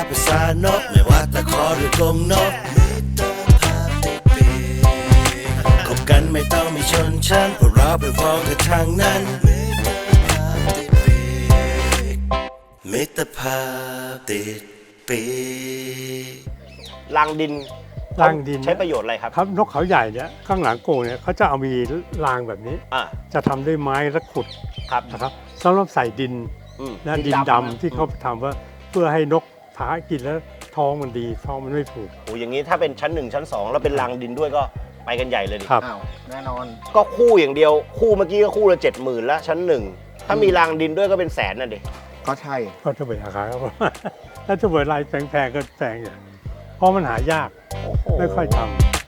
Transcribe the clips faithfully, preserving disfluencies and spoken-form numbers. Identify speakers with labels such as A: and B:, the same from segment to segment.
A: ภาษานกไม่ว่าตะขอหรือกรงนกมิตรภาพติดปีกคบกันไม่ต้องมีชนชั้นเพราะเราเป็นพ้องกันทางนั้นมิตรภาพติดปีกมิตรภาพติดปีก
B: รางดิน
C: รางดิน
B: ใช้ประโยชน์อะไรครับ
C: ครับนกเขาใหญ่เนี่ยข้างหลังกรงเนี่ยเขาจะเอามีรางแบบนี้
B: อ่า
C: จะทำด้วยไม้และขุด
B: ครับ
C: นะครับสำหรับใส่ดิน
B: อืม
C: และดินดำที่เขาทำว่าเพื่อให้นกถากินแล้วท้องมันดีท้องมันไม่ผูก
B: โอ้อย่างนี้ถ้าเป็นชั้นหนึ่งชั้นสองแล้วเป็นรางดินด้วยก็ไปกันใหญ่เลยดิ
C: ครับ
D: อ้าวแน่นอน
B: ก็คู่อย่างเดียวคู่เมื่อกี้ก็คู่ละเจ็ดหมื่นแล้วชั้นหนึ่งถ้ามีรางดินด้วยก็เป็นแสนน่ะดิ
D: ก็ใช่
C: ก็จะเปิดราคาครับ ถ้าจะเปิดลายแพงๆก็แพงอย่างเพราะมันหายากไม่ค่อยทำ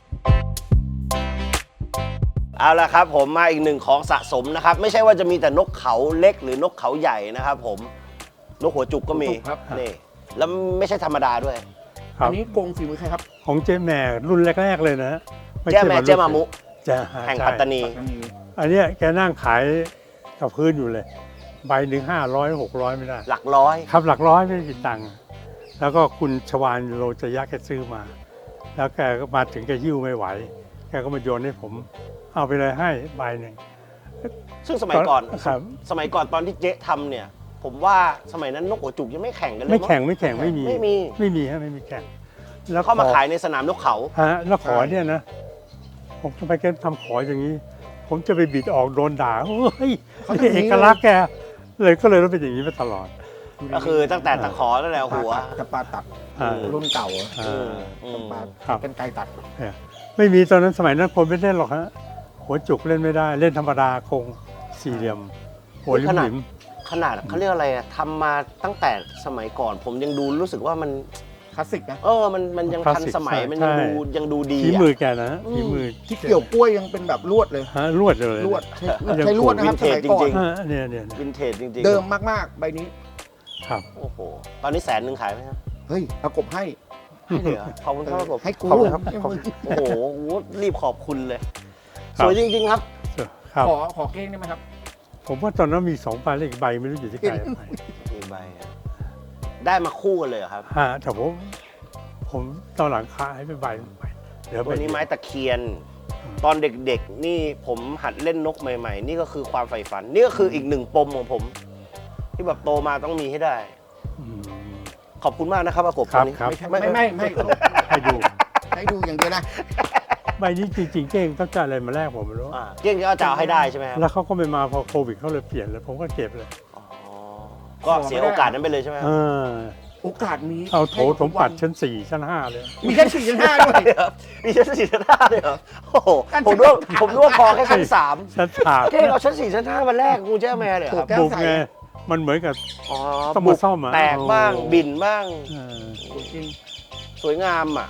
B: เอาละครับผมมาอีกหนึ่งของสะสมนะครับไม่ใช่ว่าจะมีแต่นกเขาเล็กหรือนกเขาใหญ่นะครับผมนกหัวจุกก็มี
D: หัวจุกครับ
B: นี่แล้วไม่ใช่ธรรมดาด้วย
C: ครับ
D: อันนี้กรงฝีมือใครครับ
C: ของเจ๊แม่รุ่นแรกๆเลยนะไ
B: แจ้แม่
C: ใช่
B: เจ้ามามุ
C: จะ
B: แห่ง
C: ใช่
B: ปัตตานี
D: อันนี้
C: อันเนี้ยแกนั่งขายกับพื้นอยู่เลย ใบหนึ่งห้าร้อยหกร้อยไม่ได้
B: หลักร้อย
C: ครับหลักร้อยไม่กี่ตังค์แล้วก็คุณชวานโลจยะแกซื้อมา แล้วแกก็มาถึงแกหิ้วไม่ไหว แกก็มาโยนให้ผม เอาไปเลยให้ใบหนึ่ง
B: ซึ่งสมัยก่อน
C: ครับ
B: สมัยก่อนตอนที่เจ๊ทำเนี่ย ผมว่าสมัยนั้นนกหัวจุกยังไม่แข่งกันเลย
C: ไม่แข่ง
B: มั้
C: ไม่แข่งไม่มี
B: ไม่มี
C: ไม่มีฮะไม่มีแข่งแล้ว
B: เข้ามา
C: ขอ
B: ขายในสนามนกเขา
C: ฮะแล้วขอเนี่ยนะ ผมทำไมแกทำขออย่างนี้ ผมจะไปบิดออกโดนด่าเฮ้ยนี่เอกลักษณ์แกเลยก็เลยต้องเป็นอย่างนี้มาตลอด
B: ก็คือตั้งแต่ตะขอตั้งแต่หัว
D: จะปลาตัด
C: อ่า
D: รุ่นเก่า
C: อ่า
B: อืม
D: ปลา
C: ครับ
D: เป็นไกลตัด
C: เนี่ยไม่มีตอนนั้นสมัยนั้นคนไม่เล่นหรอกฮะหัวจุกเล่นไม่ได้เล่นธรรมดาคงสี่เหลี่ยม หัวลิมหลิม
B: ขนาดเขาเรียกอะไรอะทำมาตั้งแต่สมัยก่อน ผมยังดูรู้สึกว่ามัน
D: คลาสสิกนะ
B: เออ มัน มันยัง
C: คลาส
B: ทัน
C: สิก
B: สมัย
C: ใช่
B: มันยัง
C: ใช่
B: ดู ยังดูดี
C: ฝี
B: อะ
C: มือแกนะฮะ
B: อืม
C: ฝีมือ
D: ที่เกี่ยวกล้วยยังเป็นแบบลวดเลย
C: ฮะลวดเลย
D: ลวดใช้
C: ยัง
D: ใช้ลวดนะครับ
B: วิ
D: ส
B: นเทจ
D: มัยก่อ
B: จริ
D: น
B: ง
C: ฮะเนี่ยเนี่ยเนี่ย
B: วินเทจจริงๆ
D: เดิมมากๆ ใบนี้
C: ครับ
B: โอ้โห ตอนนี้แสนหนึ่งขายไหมครับ
D: เฮ้ยเอากบให้
B: ให้เลยเหรอขอบคุณครับผม
D: ให้กู
B: ขอบคุณครับ
D: ให้มึง
B: โอ้โห รีบขอบคุณเลย
C: ครั
B: ส
C: บ
B: วยจริง ๆ ครับ
C: ครับ
D: ขอขอเก้งได้ไหมครับ
C: ผมว่าตอนนั้นมีสองใบเลขใบไม่รู้อยู่ที่ใครเอาไป
B: มีใบอะได้มาคู่กันเลยเหรอครับ
C: ฮะแต่ผมผมตอนหลังขายไปใบหนึ่งใบเดี๋ยวใบ
B: วันนี้ไม้ตะเคียน ตอนเด็กๆ นี่ผมหัดเล่นนกใหม่ๆ นี่ก็คือความใฝ่ฝัน นี่ก็คืออีกหนึ่งปมของผม ที่แบบโตมาต้องมีให้ได้
C: อืม
B: ขอบคุณมากนะครับอากบ
C: ครับ
B: วันนี้
C: ครับ
D: ไม่ไม่ไม่ไม่
C: ให้ดู
D: ให้ดูอย่างเดียวนะ
C: ใบนี้จริงๆเก้งต้องการอะไรมาแลกผมไม่รู้
B: อ่าเกี้ยงก็จะเอาให้ได้ใช่ไหมครับ
C: แล้วเขาก็ไม่มาพอโควิดเขาเลยเปลี่ยนเลยผมก็เก็บเลย
B: อ๋อก็เสียโอกาสนั้นไปเลยใช่ไหมครับ
C: เออ
D: โอกาสมี
C: เอาโถสมบัติชั้นสี่ชั้นห้าเลย
D: มีแค่สี่ชั้นห้าด้วย
B: เดี๋ยวมีชั้นสี่ชั้นห้าเลยเหรอโอ้โห
D: ชั้น
B: ผมนึกว่าผมนึกว่าพอแค่ชั้นสาม
C: ชั้นสาม
B: เก้งเอาชั้นสี่ชั้นห้ามาแลกกูแจ้แม่เลยเหรอครับ
D: แก้ว
C: บุก
D: ใส
C: ไงมันเหมือนกับ
B: อ๋อ
C: ต้องมาซ่อมอะ
B: แตกบ้าง
C: โอ้
B: บิ่นบ้าง
C: เออ
D: จริง
B: สวยงามอ่ะ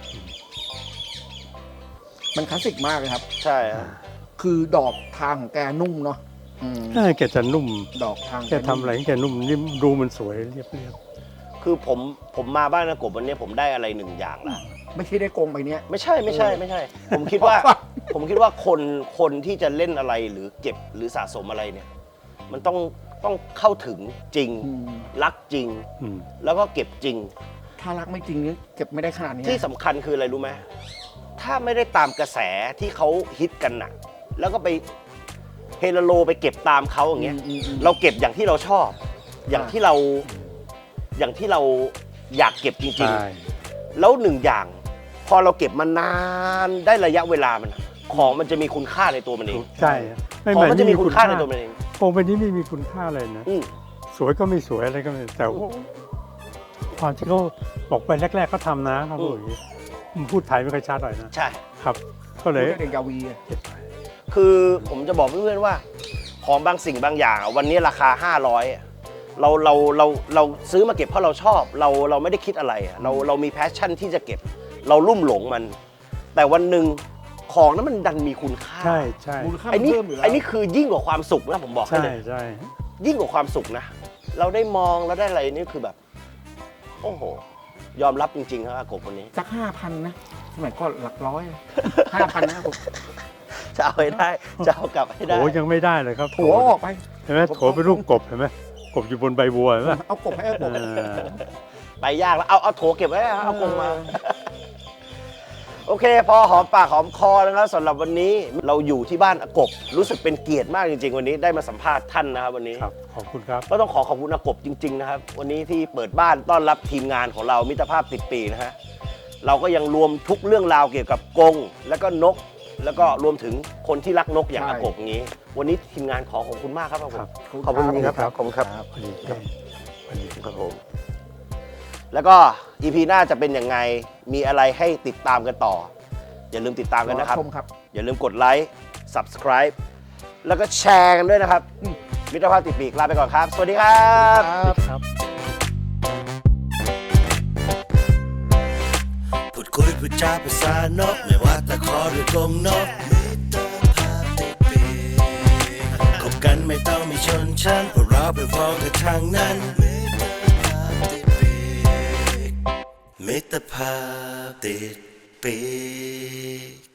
D: มันคลาสสิกมากเลยครับ
B: ใช่ครับ
D: คือดอกทางของแกนุ่มเนาะอืม
C: เออแกจะนุ่ม
D: ดอกทาง
C: แกทำอะไรแกนุ่มนิ่มดูมันสวยเรียบเรียบ
B: คือผมผมมาบ้านนากบวันนี้ผมได้อะไรหนึ่งอย่างละ
D: ไม่ใช่ได้กรงใบเนี้ย
B: ไม่ใช่ไม่ใช่ไม่ใช่ ผมคิดว่า ผมคิดว่าคนคนที่จะเล่นอะไรหรือเก็บหรือสะสมอะไรเนี่ย มันต้องต้องเข้าถึงจริง
D: อืม
B: รักจริง
C: อืม
B: แล้วก็เก็บจริง
D: ถ้ารักไม่จริงนี่เก็บไม่ได้ขนาดนี้
B: ที่สำคัญคืออะไรรู้ไหมถ้าไม่ได้ตามกระแสที่เขาฮิตกันน่ะ แล้วก็ไปเฮโลโลไปเก็บตามเขาอย่างเงี้ย
D: อืมอืม
B: เราเก็บอย่างที่เราชอบ อย่างที่เราอย่างที่เราอยากเก็บจริง
C: ใช่
B: ๆ แล้วหนึ่งอย่าง พอเราเก็บมานานได้ระยะเวลามัน ของมันจะมีคุณค่าในตัวมันเอง
C: ใช่ไม่
B: ของ
C: เหมือน
B: มันจะมีคุณค่าในตัวมันเอง
C: โครงเป็นนี้ไม่มีคุณค่าเลยนะ
B: อืม
C: สวยก็ไม่สวยอะไรก็ไม่แต่ว่าความที่เขาบอกไปแรกๆเขาทำนะเขาพูดอย่างนี้ผมพูดไทยไม่ค่อยชัดหน่อยนะ
B: ใช่
C: ครับ ก็เลย
D: พูดได้เด็กยาวีอะ
C: เก็บไป
B: คือผมจะบอกเพื่อนๆว่า ของบางสิ่งบางอย่างอะวันนี้ราคาห้าร้อยอะเราเราเราเราซื้อมาเก็บเพราะเราชอบ เราเราไม่ได้คิดอะไรอะเราเรามีแพชชั่นที่จะเก็บ เราลุ่มหลงมัน แต่วันหนึ่งของนั้นมันดันมีคุณค่า
C: ใช่ใช่
D: มูลค่า
B: ไอ้นี่
D: เพิ่มอยู่แล้ว
B: ไอ้นี่คือยิ่งกว่าความสุขนะผมบอกให้
C: ใช่
B: เลย
C: ใช่
B: ยิ่งกว่าความสุขนะ เราได้มองเราได้อะไรนี่คือแบบ โอ้โห ยอมรับจริงๆครับอากบคนนี้
D: สักห้าพันนะสมัยก่อนหลักร้อยห้าพันนะครับผม
B: จะเอาให้ได้ จะเอากลับให้ได้
C: โถยังไม่ได้เลยครับ
D: หัวออกไป
C: เห็นไหมโถเป็นรูปกบเห็นไหมกบอยู่บนใบบัวเห็นไหม
D: เอากบให้เอากบ
C: เออ
B: ไปยากแล้วเอาเอาโถเก็บไว้นะเอากรงมา โอเค พอหอมปากหอมคอนะครับสำหรับวันนี้เราอยู่ที่บ้านอากบรู้สึกเป็นเกียรติมากจริงๆวันนี้ได้มาสัมภาษณ์ท่านนะครับวันนี้
C: ครับขอบคุณครับ
B: ก็ต้องขอขอบคุณอากบจริงๆนะครับวันนี้ที่เปิดบ้านต้อนรับทีมงานของเรามิตรภาพติดปีนะฮะเราก็ยังรวมทุกเรื่องราวเกี่ยวกับกรงแล้วก็นก แล้วก็รวมถึงคนที่รักนกอย่าง
D: ใช่
B: อากบอย่างนี้ วันนี้ทีมงานขอขอบคุณมากครับอากบ
C: ครับ
B: ขอบคุณจริงๆครับ
C: ครับ
B: ขอบคุณครับ
C: สวัสดีครับสวัสดีครับ
B: ครับผมแล้วก็อีพีหน้าจะเป็นยังไงมีอะไรให้ติดตามกันต่อ อย่าลืมติดตามกันนะครับ
D: รอชมครับ
B: อย่าลืมกดไลค์ Subscribe แล้วก็แชร์กันด้วยนะครับ มิตรภาพติดปีกลาไปก่อนครับ สวัสดีครับ
C: ครับ
A: พูดคุยพูดจาภาษานกไม่ว่าตะขอหรือกรงนกมิตรภาพติดปีกคบกันไม่ต้องมีชนชั้นเพราะเราเป็นพ้องกันทางนั้นมิตรภาพติดปีกมิตรภาพติดปีก